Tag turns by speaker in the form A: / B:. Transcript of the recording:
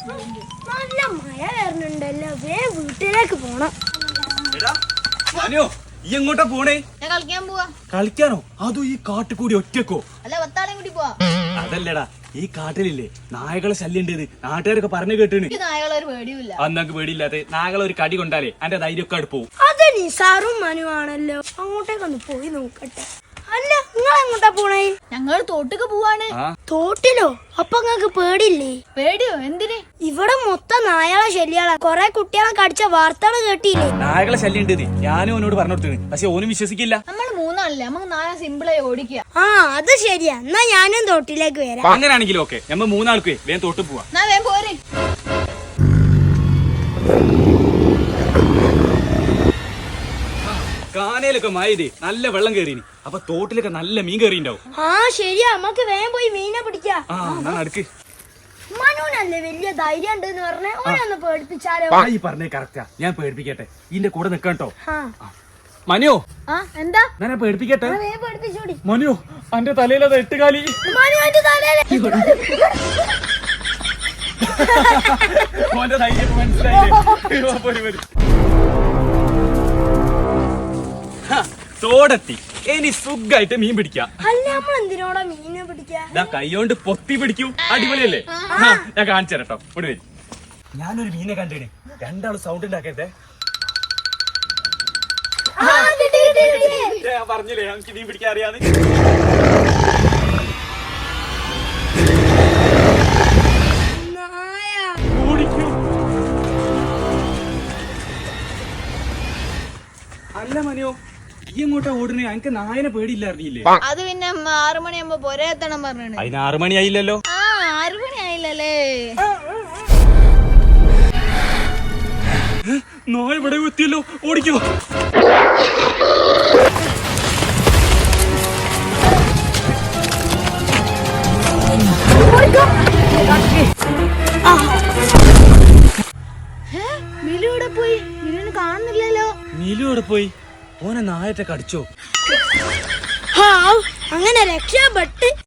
A: നല്ല മഴ വരുന്നുണ്ടല്ലോ, വേഗം വീട്ടിലേക്ക് പോണം.
B: ഈ എങ്ങോട്ടാ പോണേ?
C: ഞാൻ കളിക്കാൻ പോവാ.
B: കളിക്കാനോ? അതോ ഈ കാട്ടുകൂടി ഒറ്റക്കോ?
C: അല്ല, വത്താളെയും കൂടി പോവാ.
B: അതല്ലടാ, ഈ കാട്ടിലില്ലേ നായകളെ ശല്യം ഉണ്ടെന്ന് നാട്ടുകാരൊക്കെ പറഞ്ഞു കേട്ടിന്.
C: എനിക്ക് നായകളൊരു പേടിയില്ല.
B: അന്നക്ക് പേടിയില്ലാത്ത നായകളെ ഒരു കടി കൊണ്ടാലേ അന്റെ ധൈര്യമൊക്കെ അടുത്ത് പോവും.
A: അത് നിസാറും മനുവാണല്ലോ, അങ്ങോട്ടേക്കൊന്ന് പോയി നോക്കട്ടെ. അല്ല, നിങ്ങൾ എങ്ങോട്ടാ പോണേ?
C: ഞങ്ങൾ തോട്ടക്ക് പോവാണ്.
A: തോട്ടിലോ? അപ്പൊ നിങ്ങക്ക് പേടില്ലേ?
C: പേടിയോ? എന്തിന്?
A: ഇവിടെ മൊത്തം നായകളെ ശല്യാളാ. കൊറേ കുട്ടികളെ കടിച്ച വാർത്തകൾ കേട്ടില്ലേ?
B: നായകളെ ശല്യം ഉണ്ടെന്ന് ഞാനും ഓനോട് പറഞ്ഞു കൊടുത്തു, പക്ഷെ ഓനും വിശ്വസിക്കില്ല.
C: നമ്മൾ മൂന്നാളല്ലേ, നമുക്ക് നായ സിമ്പിളായി ഓടിക്കുക.
A: അത് ശരിയാ. എന്നാ ഞാനും തോട്ടിലേക്ക് വരാം.
B: അങ്ങനെയാണെങ്കിലും ഓക്കെ, നമ്മ മൂന്നാൾക്ക് വേഗം തോട്ട് പോവാ.
C: വേഗം പോരെ.
B: കാനയിലൊക്കെ മായതേ നല്ല വെള്ളം കയറിന്, അപ്പൊ തോട്ടിലൊക്കെ നല്ല മീൻ കയറിണ്ടാവും.
A: ശരിയാ, നമുക്ക് വേഗം പോയി മീനെ പിടിക്കാം.
B: അടുക്ക്.
A: മനുവിനല്ലേ വലിയ ധൈര്യം ഉണ്ടെന്ന് പറഞ്ഞേ, ഓനൊന്ന് പേടിപ്പിച്ചാലോ?
B: ഈ പറഞ്ഞേ കറക്റ്റാ, ഞാൻ പേടിപ്പിക്കട്ടെ. ഇതിന്റെ കൂടെ നിക്കട്ടോ. മനു,
C: എന്താ?
B: ഞാൻ പേടിപ്പിക്കട്ടെ.
A: പേടിപ്പിച്ചോടി.
B: മനു, അന്റെ തലയിലത് എട്ടുകാലി. ഓന്റെ ധൈര്യം മനസ്സിലായില്ലേ? തോടെത്തി, ഇനി സുഖായിട്ട് മീൻ പിടിക്കാം.
A: അല്ല, നമ്മൾ എന്തിനോടാ മീനെ പിടിക്കാ?
B: കൈയോണ്ട് പൊത്തി പിടിക്കൂ, അടിപൊളിയല്ലേ? ഞാൻ കാണിച്ചു തരട്ടോ, ഇവിടെ വരും. ഞാനൊരു മീനെ കണ്ടേനെ, രണ്ടാളും സൗണ്ട് ഉണ്ടാക്കരുതേ. ഞാൻ പറഞ്ഞില്ലേ എനിക്ക് മീൻ പിടിക്കാൻ അറിയാന്ന്. അല്ല മനോ, ഈ എങ്ങോട്ടാ ഓടുന്നേ? എനിക്ക് നായനെ പേടിയില്ലായിരുന്നില്ലേ?
C: അത് പിന്നെ 6 മണിയാകുമ്പോ പോരെ എത്തണം പറഞ്ഞു.
B: അതിന് 6 മണിയായില്ലല്ലോ.
C: 6 മണിയായില്ലല്ലേ?
B: നായ ഇവിടെ എത്തിയല്ലോ, ഓടിക്കോ.
C: മിലു ഇവിടെ പോയി? മിലുവിന് കാണുന്നില്ലല്ലോ.
B: നീലു ഇവിടെ പോയി? ഓനെ നായത്തെ കടിച്ചോ?
A: അങ്ങനെ രക്ഷപ്പെട്ട്